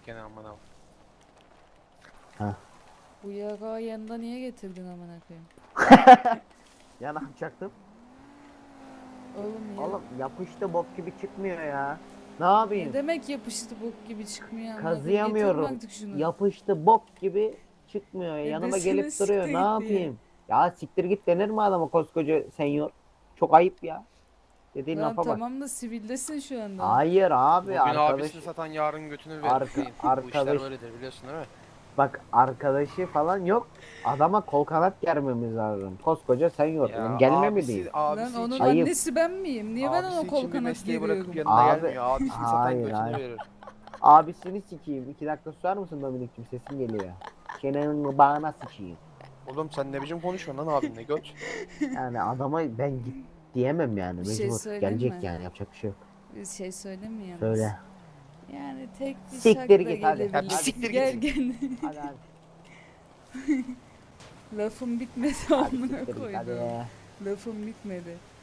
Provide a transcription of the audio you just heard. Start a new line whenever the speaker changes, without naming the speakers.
gene amına.
Ha.
Bu yarağı yanında niye getirdin amına koyayım?
Ya ne yapacaktım?
Oğlum ya.
Oğlum yapıştı bok gibi çıkmıyor ya. Ne
Ne
yapayım?
demek yapıştı bok gibi çıkmıyor amına koyayım? Getirme
Kazıyamıyorum.
artık şunu.
Yapıştı bok gibi çıkmıyor. Yanıma
Desene
gelip duruyor.
siktir
Ne
git diye.
yapayım? Ya siktir git denir mi adama koskoca senyor? Çok ayıp ya. Dediğin
Lan
lafa bak.
tamam da sivildesin şu anda.
Hayır abi
Bugün
arkadaş
abisini satan yarın götünü verir.
arka,
Dayım. Bu işler
arkadaş
böyledir biliyorsun değil mi?
bak arkadaşı falan yok. Adama kol kanat germemiz lazım. Koskoca senyor.
Ya
Gelme mi diyeyim?
Lan onun
için,
Ayıp.
annesi ben miyim? Niye ben ona
abisi
kol
için bir
kanat
mesleği bırakıp
geriyorum?
yanına
Abi,
gelmiyor. Abisini satan
hayır,
götünü
hayır.
verir.
Abisini sikeyim. 2 dakika susar mısın Dominik'cim? Sesin geliyor. Çenenin bağına sıçayım.
Oğlum sen ne biçim konuşuyorsun lan abinle göt?
Yani adama ben git diyemem yani.
Bir şey
Mecbur.
söyleyeyim
Gelecek
mi?
yani. Yapacak bir şey yok.
Bir şey söyleyeyim mi yalnız?
Söyle.
Yani tek bir
Siktir
şarkı da
git hadi.
gelebilir.
Ya bir siktir
Gel
git.
gel.
Hadi hadi.
Lafım bitmedi
Hadi
amına
siktir git hadi.
koydum. Lafım bitmedi.